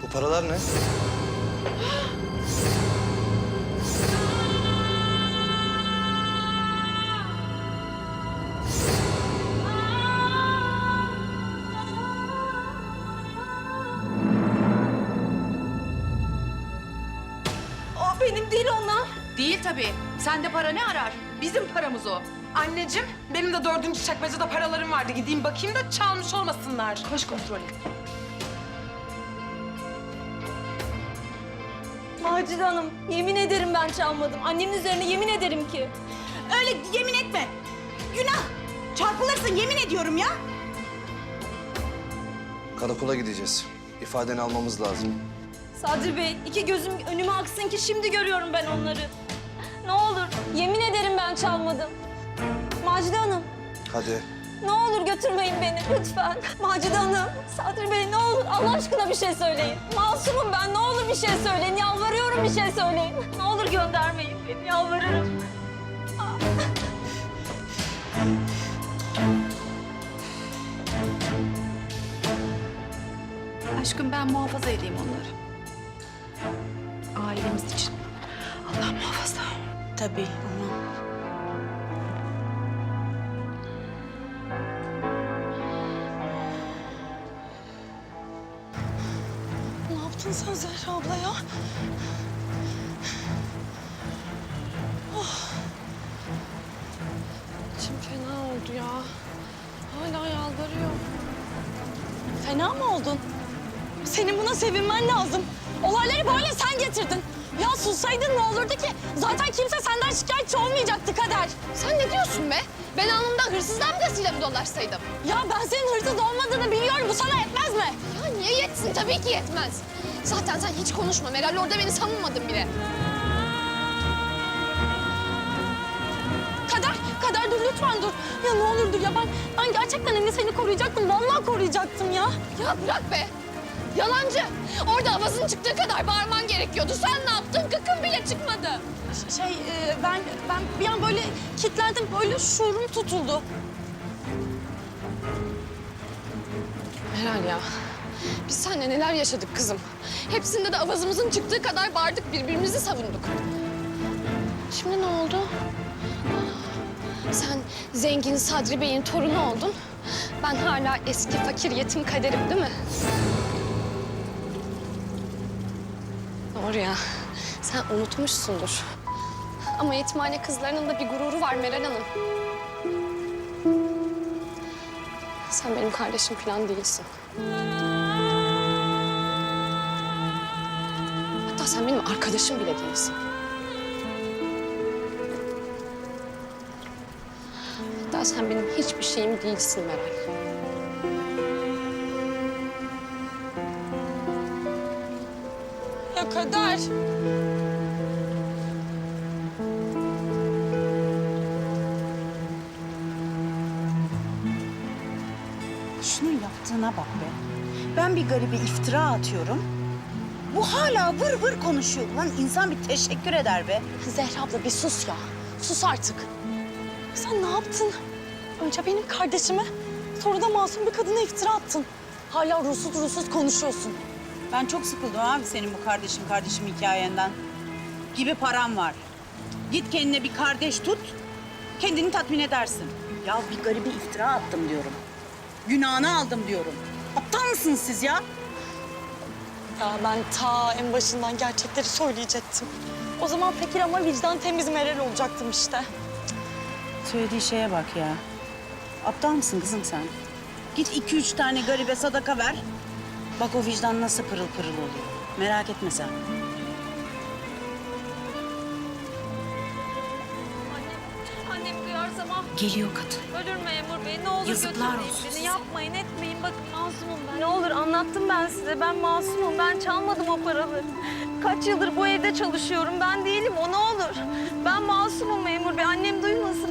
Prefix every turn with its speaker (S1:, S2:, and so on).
S1: Bu paralar ne?
S2: O benim değil onlar.
S3: Değil tabii. Sende para ne arar? Bizim paramız o.
S2: Anneciğim, benim de 4. çekmecede paralarım vardı. Gideyim bakayım da çalmış olmasınlar.
S3: Koş kontrol et.
S4: Macide Hanım, yemin ederim ben çalmadım. Annemin üzerine yemin ederim ki.
S5: Öyle yemin etme. Günah. Çarpılırsın yemin ediyorum ya.
S1: Karakola gideceğiz. İfadeni almamız lazım.
S4: Sadri Bey, iki gözüm önüme aksın ki şimdi görüyorum ben onları. Ne olur, yemin ederim ben çalmadım. Macide Hanım,
S1: Hadi.
S4: ne olur götürmeyin beni lütfen. Macide Hanım, Sadri Bey ne olur Allah aşkına bir şey söyleyin. Masumum ben, ne olur bir şey söyleyin. Yalvarıyorum bir şey söyleyin. Ne olur göndermeyin beni, yalvarırım.
S3: Aşkım ben muhafaza edeyim onları. Ailemiz için. Allah muhafaza.
S5: Tabii ama...
S4: Ne yaptın sen Zehra abla ya?
S2: İçim fena oldu ya. Hala yalvarıyor.
S4: Fena mı oldun? Senin buna sevinmen lazım. Olayları böyle sen getirdin. Ya sussaydın ne olurdu ki? Zaten kimse senden şikayetçi olmayacaktı Kader.
S6: Sen ne diyorsun be? Ben alnımda hırsız damgasıyla mı dolaşsaydım?
S4: Ya ben senin hırsız olmadığını biliyorum. Bu sana yetmez mi?
S6: Ya niye yetsin? Tabii ki yetmez. Zaten sen hiç konuşma. Meral orada beni savunmadın bile.
S4: Kader dur lütfen dur. Ya ne olur dur ya ben gerçekten hani seni koruyacaktım. Vallahi koruyacaktım ya.
S6: Ya bırak be. Yalancı. Orada avazın çıktığı kadar bağırman gerekiyordu. Sen ne yaptın? Gıkın bile çıkmadı.
S4: Ben bir an böyle kilitlendim. Böyle şuurum tutuldu.
S6: Meral ya. Biz seninle neler yaşadık kızım. Hepsinde de avazımızın çıktığı kadar bağırdık, birbirimizi savunduk. Şimdi ne oldu? Sen zengin Sadri Bey'in torunu oldun. Ben hala eski fakir yetim Kader'im değil mi? Doğru ya. Sen unutmuşsundur. Ama yetimhane kızlarının da bir gururu var Meral Hanım. Sen benim kardeşim falan değilsin. Hatta sen benim arkadaşım bile değilsin. Hatta sen benim hiçbir şeyim değilsin Meral.
S4: Ya Kader.
S5: Şunun yaptığına bak be. Ben bir garibe iftira atıyorum. Bu hala vır vır konuşuyor. Lan insan bir teşekkür eder be.
S4: Zehra abla bir sus ya. Sus artık. Sen ne yaptın? Önce benim kardeşime, sonra da masum bir kadına iftira attın. Hala ruhsuz konuşuyorsun.
S5: Ben çok sıkıldım abi senin bu kardeşim hikayenden. Gibi param var. Git kendine bir kardeş tut, kendini tatmin edersin. Ya bir garibe iftira attım diyorum. Günahını aldım diyorum. Aptal mısınız siz ya?
S4: Ya ben ta en başından gerçekleri söyleyecektim. O zaman fakir ama vicdan temiz Meral olacaktım işte.
S5: Söylediği şeye bak ya. Aptal mısın kızım sen? Git 2-3 tane garibe sadaka ver. Bak o vicdan nasıl pırıl pırıl oluyor. Merak etme sen.
S4: Annem duyarsa
S5: Geliyor kadın.
S4: ölür memur bey. Ne olur
S5: Yazıklar
S4: götürmeyin
S5: olsun
S4: beni.
S5: size.
S4: Yapmayın, etmeyin. Bakın masumum ben. Ne olur anlattım ben size. Ben masumum. Ben çalmadım o paraları. Kaç yıldır bu evde çalışıyorum. Ben değilim o, ne olur. Ben masumum memur bey. Annem duymasın.